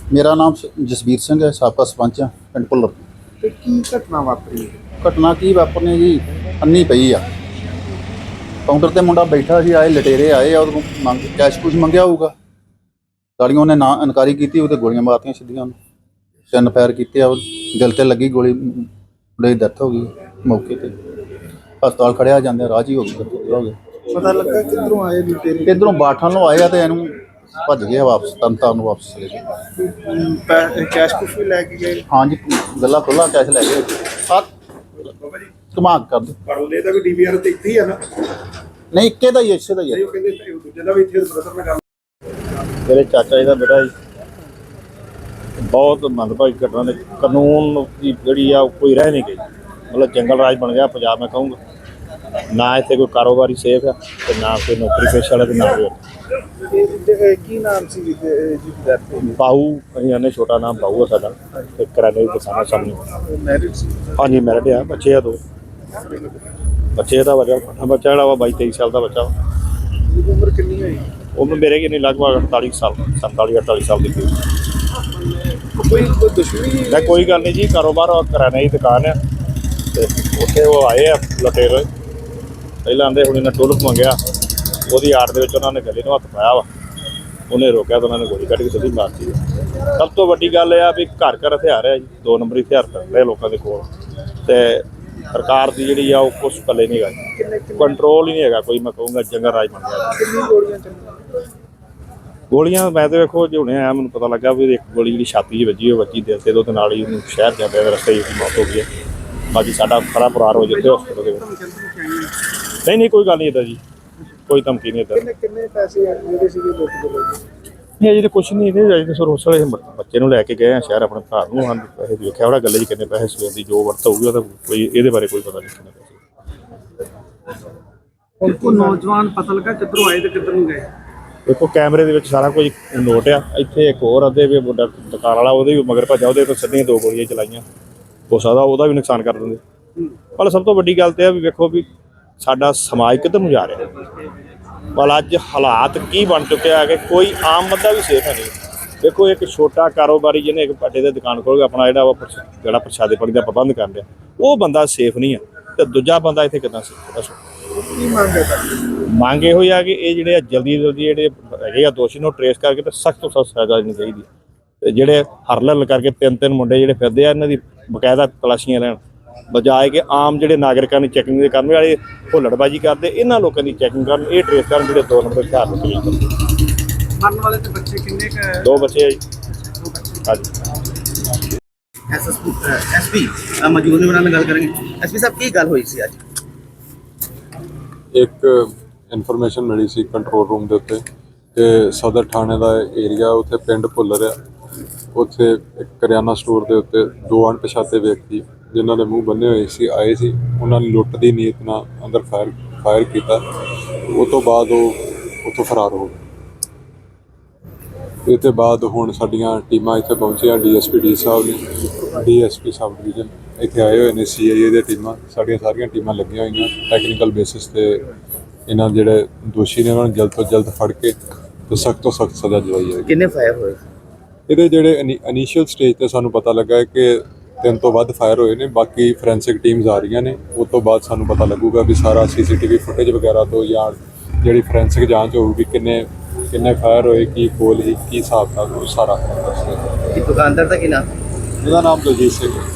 ਮੇਰਾ ਨਾਮ ਜਸਬੀਰ ਸਿੰਘ ਹੈ, ਸਾਬਕਾ ਸਰਪੰਚ ਹਾਂ ਪਿੰਡ ਭੁੱਲਰ। ਤੇ ਕੀ ਘਟਨਾ ਵਾਪਰੀ? ਘਟਨਾ ਕੀ ਵਾਪਰਨੀ ਜੀ, ਅੰਨੀ ਪਈ ਆ। ਕਾਊਂਟਰ ਤੇ ਮੁੰਡਾ ਬੈਠਾ ਸੀ, ਆਏ ਲਟੇਰੇ ਆਏ ਆ, ਉਹਦੇ ਕੋਲ ਕੈਸ਼ ਕੁਛ ਮੰਗਿਆ ਹੋਊਗਾ। ਗਾਲੀਆਂ ਉਹਨੇ ਨਾ ਇਨਕਾਰੀ ਕੀਤੀ, ਉਹਦੇ ਗੋਲੀਆਂ ਮਾਰਤੀਆਂ ਸਿੱਧੀਆਂ ਉਹਨੂੰ। 3 ਫਾਇਰ ਕੀਤੇ ਆ, ਦਿਲ ਤੇ ਲੱਗੀ ਗੋਲੀ, ਮੁੰਡੇ ਦੀ ਡੈਥ ਹੋ ਗਈ ਮੌਕੇ ਤੇ। ਹਸਪਤਾਲ ਖੜਿਆ, ਜਾਂਦੇ ਰਾਹ 'ਚ ਹੀ ਹੋ ਗਏ। ਪਤਾ ਲੱਗਾ ਕਿੱਧਰੋਂ ਆਏ ਲੁਟੇਰੇ? ਇੱਧਰੋਂ ਬਾਠਾਂ ਨੂੰ ਆਏ ਆ ਤੇ ਇਹਨੂੰ ਭੱਜ ਗਏ ਵਾਪਸ, ਤਨਤਾਰਨ ਨੂੰ ਵਾਪਸ ਚਲੇ ਗਏ। ਕੈਸ਼ ਕੁਛ ਵੀ ਲੈ ਕੇ ਗਏ? ਹਾਂਜੀ, ਗੱਲਾਂ ਖੁੱਲ੍ਹਾ ਕੈਸ਼ ਲੈ ਗਏ। ਧਮਾਕ ਕਰ ਦਿਓ। ਪਰਲੇ ਦਾ ਵੀ ਡੀਵੀਆਰ ਤੇ ਇੱਥੇ ਹੀ ਆ ਨਾ? ਨਹੀਂ, ਇੱਕੇ ਦਾ ਹੀ, ਇਸੇ ਦਾ ਹੀ ਹੈ। ਉਹ ਕਹਿੰਦੇ ਦੂਜੇ ਦਾ ਵੀ ਇੱਥੇ ਬ੍ਰਦਰ ਨਾਲ ਗੱਲ। ਮੇਰੇ ਚਾਚਾ ਜੀ ਦਾ ਬੇਟਾ ਜੀ, ਬਹੁਤ ਮੰਦਭਾਗੀ ਘਟਨਾ ਨੇ। ਕਾਨੂੰਨ ਦੀ ਜਿਹੜੀ ਆ ਕੋਈ ਰਹਿ ਨਹੀਂ ਗਈ, ਮਤਲਬ ਜੰਗਲ ਰਾਜ ਬਣ ਗਿਆ ਪੰਜਾਬ। ਮੈਂ ਕਹੂੰਗਾ ਨਾ ਇੱਥੇ ਕੋਈ ਕਾਰੋਬਾਰੀ ਸੇਫ ਆ ਤੇ ਨਾ ਕੋਈ ਨੌਕਰੀ ਪੇਸ਼ਾ ਵਾਲਾ ਤੇ ਨਾ ਕੋਈ। ਕੀ ਨਾਮ ਸੀ ਜੀ ਦਾ? ਬਾਹੂ, ਅਸੀਂ ਆਨੇ ਛੋਟਾ ਨਾਮ ਬਾਹੂ ਆ ਸਾਡਾ, ਤੇ ਕਰਿਆਨੇ ਦੀ ਦੁਕਾਨ ਸਾਹਮਣੇ। ਮੈਰਿਡ ਸੀ? ਹਾਂਜੀ, ਮੈਰਿਡ ਆ, ਬੱਚੇ ਆ 2 ਬੱਚੇ ਦਾ। ਬੱਚਾ ਜਿਹੜਾ ਵਾ 22-23 ਸਾਲ ਦਾ ਬੱਚਾ ਵਾ। ਉਮਰ ਕਿੰਨੀ ਹੋਈ? ਉਮਰ ਮੇਰੇ ਕਿੰਨੀ ਲਗਭਗ 48 ਸਾਲ, 47-48 ਸਾਲ ਦੀ। ਕੋਈ ਦੁਸ਼ਮਣੀ? ਮੈਂ ਕੋਈ ਗੱਲ ਨਹੀਂ ਜੀ, ਕਾਰੋਬਾਰ ਕਰਿਆਨੇ ਦੀ ਦੁਕਾਨ ਆ ਤੇ ਉੱਥੇ ਉਹ ਆਏ ਆ ਲੁਟੇਰੇ। ਪਹਿਲਾਂ ਆਂਦੇ ਹੁਣ ਇਹਨਾਂ ਟੋਲਕ ਮੰਗਿਆ, ਉਹਦੀ ਆੜ ਦੇ ਵਿੱਚ ਉਹਨਾਂ ਨੇ ਗਲੇ ਨੂੰ ਹੱਥ ਪਾਇਆ ਵਾ। ਉਹਨੇ ਰੋਕਿਆ ਤਾਂ ਉਹਨਾਂ ਨੇ ਗੋਲੀ ਕੱਢ ਕੇ ਸਿੱਧੀ ਮਾਰਤੀ। ਸਭ ਤੋਂ ਵੱਡੀ ਗੱਲ ਇਹ ਆ ਵੀ ਘਰ ਘਰ ਹਥਿਆਰ ਹੈ ਜੀ, 2 ਨੰਬਰੀ ਹਥਿਆਰ ਕਰਦੇ ਲੋਕਾਂ ਦੇ ਕੋਲ। ਤੇ ਸਰਕਾਰ ਦੀ ਜਿਹੜੀ ਆ ਉਹ ਕੁਛ ਪੱਲੇ ਨਹੀਂ ਹੈਗਾ, ਕੰਟਰੋਲ ਹੀ ਨਹੀਂ ਹੈਗਾ ਕੋਈ। ਮੈਂ ਕਹੂੰਗਾ ਜੰਗਲ ਰਾਜ ਬਣ ਗਿਆ। ਕਿੰਨੀ ਗੋਲੀਆਂ ਚੱਲੀਆਂ? ਗੋਲੀਆਂ ਮੈਂ ਤਾਂ ਵੇਖੋ ਜੇ ਹੁਣੇ ਆਇਆ ਮੈਨੂੰ ਪਤਾ ਲੱਗਾ ਵੀ ਇੱਕ ਗੋਲੀ ਜਿਹੜੀ ਛਾਤੀ 'ਚ ਵੱਜੀ, ਉਹ ਵੱਜੀ ਦਿਲ ਤੇ, ਉਹਦੇ ਨਾਲ ਹੀ ਉਹਨੂੰ ਸ਼ਹਿਰ ਜਾਂਦੇ ਦੇ ਰਸਤੇ 'ਚ ਮੌਤ ਹੋ ਗਈ ਹੈ। ਬਾਕੀ ਸਾਡਾ ਖਰਾ ਪਰਿਵਾਰ ਹੋ ਜਿੱਥੇ ਹਸਪਤਾਲ ਦੇ ਵਿੱਚ। ਨਹੀਂ ਕੋਈ ਗੱਲ ਨਹੀਂ ਇੱਦਾਂ ਜੀ, ਕੋਈ ਧਮਕੀ ਨਹੀਂ ਇੱਦਾਂ। ਕਿੰਨੇ ਪੈਸੇ ਜਿਹੜੇ ਸੀਗੇ ਲੁੱਟ ਦੇ ਲੋਕ? ਨਹੀਂ ਅਜੇ ਤਾਂ ਕੁਛ ਨਹੀਂ ਇਹਦੇ ਅਜੇ ਤਾਂ ਸਰ ਉਸ ਵੇਲੇ ਬੱਚੇ ਨੂੰ ਲੈ ਕੇ ਗਏ ਆ ਸ਼ਹਿਰ ਆਪਣੇ ਭਰਾ ਨੂੰ। ਹਾਂ, ਪੈਸੇ ਵੇਖਿਆ ਉਹਦਾ ਗੱਲੇ 'ਚ ਕਿੰਨੇ ਪੈਸੇ ਸਵੇਰ ਦੀ ਜੋ ਵਰਤ ਹੋਊਗੀ ਉਹਦਾ ਕੋਈ ਇਹਦੇ ਬਾਰੇ ਕੋਈ ਪਤਾ ਨਹੀਂ ਕਿੰਨੇ ਪੈਸੇ। ਉਹ ਨੌਜਵਾਨ ਪਤਾ ਲੱਗਾ ਕਿੱਧਰੋਂ ਆਏ ਤੇ ਕਿੱਧਰ ਨੂੰ ਗਏ? ਦੇਖੋ ਕੈਮਰੇ ਦੇ ਵਿੱਚ ਸਾਰਾ ਕੁਝ ਨੋਟ ਆ। ਇੱਥੇ ਇੱਕ ਹੋਰ ਅੱਧੇ ਵੀ ਮੁੰਡਾ ਦੁਕਾਨ ਵਾਲਾ, ਉਹਦੇ ਵੀ ਮਗਰ ਭੱਜਾ, ਉਹਦੇ ਤੋਂ ਸਿੱਧੀਆਂ 2 ਗੋਲੀਆਂ ਚਲਾਈਆਂ। ਹੋ ਸਕਦਾ ਉਹਦਾ ਵੀ ਨੁਕਸਾਨ ਕਰ ਦਿੰਦੇ। ਪਰ ਸਭ ਤੋਂ ਵੱਡੀ ਗੱਲ ਤੇ ਆ ਵੀ ਵੇਖੋ ਵੀ ਸਾਡਾ ਸਮਾਜ ਕਿੱਧਰ ਨੂੰ ਜਾ ਰਿਹਾ। ਪਰ ਅੱਜ ਹਾਲਾਤ ਕੀ ਬਣ ਚੁੱਕੇ ਆ ਕਿ ਕੋਈ ਆਮ ਬੰਦਾ ਵੀ ਸੇਫ ਹੈ ਨਹੀਂ। ਦੇਖੋ ਇੱਕ ਛੋਟਾ ਕਾਰੋਬਾਰੀ ਜਿਹਨੇ ਇੱਕ ਪੱਟੇ ਦੇ ਦੁਕਾਨ ਖੋਲ੍ਹ ਕੇ ਆਪਣਾ ਜਿਹੜਾ ਪ੍ਰਸ਼ਾਦੇ ਪਾਣੀ ਦਾ ਪ੍ਰਬੰਧ ਕਰ ਰਿਹਾ, ਉਹ ਬੰਦਾ ਸੇਫ ਨਹੀਂ ਆ, ਤੇ ਦੂਜਾ ਬੰਦਾ ਇੱਥੇ ਕਿੱਦਾਂ ਸੇਫ? ਦੱਸੋ ਕੀ ਮੰਗ ਹੈ? ਮੰਗ ਇਹੋ ਹੀ ਆ ਕਿ ਇਹ ਜਿਹੜੇ ਜਲਦੀ ਜਿਹੜੇ ਹੈਗੇ ਆ ਦੋਸ਼ੀ ਨੂੰ ਟਰੇਸ ਕਰਕੇ ਤੇ ਸਖਤ ਤੋਂ ਸਖਤ ਸਜ਼ਾ ਦੇਣੀ ਚਾਹੀਦੀ। ਤੇ ਜਿਹੜੇ ਹਰਲਲ ਕਰਕੇ 3 ਮੁੰਡੇ ਜਿਹੜੇ ਫਿਰਦੇ ਆ, ਇਹਨਾਂ ਦੀ ਬਕਾਇਦਾ ਤਲਾਸ਼ੀਆਂ ਲੈਣ, ਬਜਾਏ ਕਿ ਆਮ ਜਿਹੜੇ ਨਾਗਰਿਕਾਂ ਦੀ ਚੈਕਿੰਗ ਦੇ ਕਰਨ ਵਾਲੇ ਹੁੱਲੜਬਾਜੀ ਕਰਦੇ, ਇਹਨਾਂ ਲੋਕਾਂ ਦੀ ਚੈਕਿੰਗ ਕਰਨ, ਇਹ ਟਰੇਸ ਕਰਨ ਜਿਹੜੇ 2 ਨੰਬਰ ਹਥਿਆਰ ਨੂੰ ਕਲੀਅਰ ਕਰਦੇ। ਮਰਨ ਵਾਲੇ ਤੇ ਬੱਚੇ ਕਿੰਨੇ ਕੁ? 2 ਬੱਚੇ ਆ ਜੀ। ਹਾਂਜੀ। ਐਸਪੀ ਮੌਜੂਦ ਨੇ, ਉਹਨਾਂ ਨਾਲ ਗੱਲ ਕਰਾਂਗੇ। ਐਸਪੀ ਸਾਹਿਬ, ਕੀ ਗੱਲ ਹੋਈ ਸੀ ਅੱਜ? ਇੱਕ ਇਨਫੋਰਮੇਸ਼ਨ ਮਿਲੀ ਸੀ ਕੰਟਰੋਲ ਰੂਮ ਦੇ ਉੱਤੇ ਕਿ ਸਦਰ ਥਾਣੇ ਦਾ ਏਰੀਆ, ਉੱਥੇ ਪਿੰਡ ਭੁੱਲਰ ਆ, ਉੱਥੇ ਇੱਕ ਕਰਿਆਨਾ ਸਟੋਰ ਦੇ ਉੱਤੇ 2 ਅਣਪਛਾਤੇ ਵਿਅਕਤੀ ਜਿਨ੍ਹਾਂ ਦੇ ਮੂੰਹ ਬੰਨੇ ਹੋਏ ਸੀ ਆਏ ਸੀ। ਉਹਨਾਂ ਨੇ ਲੁੱਟ ਦੀ ਨੀਅਤ ਨਾਲ ਅੰਦਰ ਫਾਇਰ ਕੀਤਾ। ਉਹ ਤੋਂ ਬਾਅਦ ਉਹ ਉੱਥੋਂ ਫਰਾਰ ਹੋ ਗਏ। ਇਹ ਤੋਂ ਬਾਅਦ ਹੁਣ ਸਾਡੀਆਂ ਟੀਮਾਂ ਇੱਥੇ ਪਹੁੰਚੀਆਂ, ਡੀਐਸਪੀ ਸਾਹਿਬ ਨੇ, ਡੀਐਸਪੀ ਸਬ ਡਿਵੀਜ਼ਨ ਇੱਥੇ ਆਏ ਹੋਏ ਨੇ, CIA ਦੀਆਂ ਟੀਮਾਂ, ਸਾਡੀਆਂ ਸਾਰੀਆਂ ਟੀਮਾਂ ਲੱਗੀਆਂ ਹੋਈਆਂ। ਟੈਕਨੀਕਲ ਬੇਸਿਸ 'ਤੇ ਇਹਨਾਂ ਜਿਹੜੇ ਦੋਸ਼ੀ ਨੇ ਉਹਨਾਂ ਨੂੰ ਜਲਦ ਤੋਂ ਜਲਦ ਫੜ ਕੇ ਤੇ ਸਖਤ ਤੋਂ ਸਖਤ ਸਜ਼ਾ ਦਿਵਾਈ ਜਾਏਗੀ। ਕਿੰਨੇ ਫਾਇਰ ਹੋਏ? ਇਹਦੇ ਜਿਹੜੇ ਇਨੀਸ਼ੀਅਲ ਸਟੇਜ 'ਤੇ ਸਾਨੂੰ ਪਤਾ ਲੱਗਾ ਹੈ ਕਿ 3 ਤੋਂ ਵੱਧ ਫਾਇਰ ਹੋਏ ਨੇ। ਬਾਕੀ ਫੋਰੈਂਸਿਕ ਟੀਮਸ ਆ ਰਹੀਆਂ ਨੇ, ਉਸ ਤੋਂ ਬਾਅਦ ਸਾਨੂੰ ਪਤਾ ਲੱਗੂਗਾ ਵੀ ਸਾਰਾ CCTV ਫੁਟੇਜ ਵਗੈਰਾ ਤੋਂ ਜਾਂ ਜਿਹੜੀ ਫੋਰੈਂਸਿਕ ਜਾਂਚ ਹੋਊਗੀ ਕਿੰਨੇ ਫਾਇਰ ਹੋਏ, ਕੀ ਗੋਲ ਸੀ, ਕੀ ਹਿਸਾਬ था, ਉਹ ਸਾਰਾ ਦੱਸਦੇ। ਦੁਕਾਨਦਾਰ ਦਾ ਕੀ ਨਾਮ? ਇਹਦਾ ਨਾਮ ਦਲਜੀਤ ਸਿੰਘ ਹੈ।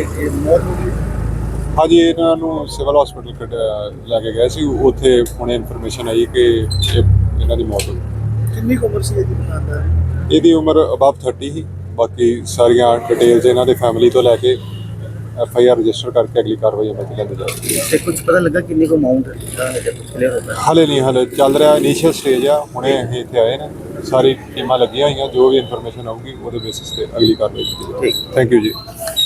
ਹਾਂਜੀ, ਇਹਨਾਂ ਨੂੰ ਸਿਵਲ ਹਸਪੀਟਲ ਲੈ ਕੇ ਗਏ ਸੀ। ਉੱਥੇ ਹੁਣੇ ਇਨਫੋਰਮੇਸ਼ਨ ਆਈ ਕਿ ਇਹਨਾਂ ਦੀ ਮੌਤ ਹੋ ਗਈ। ਕਿੰਨੀ ਉਮਰ ਸੀ ਇਹਦੀ ਦੁਕਾਨਦਾਰ? ਇਹਦੀ ਉਮਰ ਅਬਵ 30 ਸੀ। ਬਾਕੀ ਸਾਰੀਆਂ ਡਿਟੇਲਸ ਇਹਨਾਂ ਦੇ ਫੈਮਿਲੀ ਤੋਂ ਲੈ ਕੇ FIR ਰਜਿਸਟਰ ਕਰਕੇ ਅਗਲੀ ਕਾਰਵਾਈ ਅਮਲ 'ਚ ਲਿਆਂਦੀ ਜਾਵੇਗੀ। ਤੇ ਕੁਝ ਪਤਾ ਲੱਗਾ ਕਿੰਨੀ ਕੁ ਅਮਾਉਂਟ ਕਲੀਅਰ ਹੋਇਆ? ਹਾਲੇ ਨਹੀਂ, ਹਾਲੇ ਚੱਲ ਰਿਹਾ ਇਨੀਸ਼ੀਅਲ ਸਟੇਜ ਆ। ਹੁਣੇ ਅਸੀਂ ਇੱਥੇ ਆਏ ਨੇ, ਸਾਰੀ ਟੀਮਾਂ ਲੱਗੀਆਂ ਹੋਈਆਂ, ਜੋ ਵੀ ਇਨਫੋਰਮੇਸ਼ਨ ਆਊਗੀ ਉਹਦੇ ਬੇਸਿਸ ਤੇ ਅਗਲੀ ਕਾਰਵਾਈ ਕੀਤੀ ਜਾਵੇਗੀ। ਥੈਂਕ ਯੂ ਜੀ।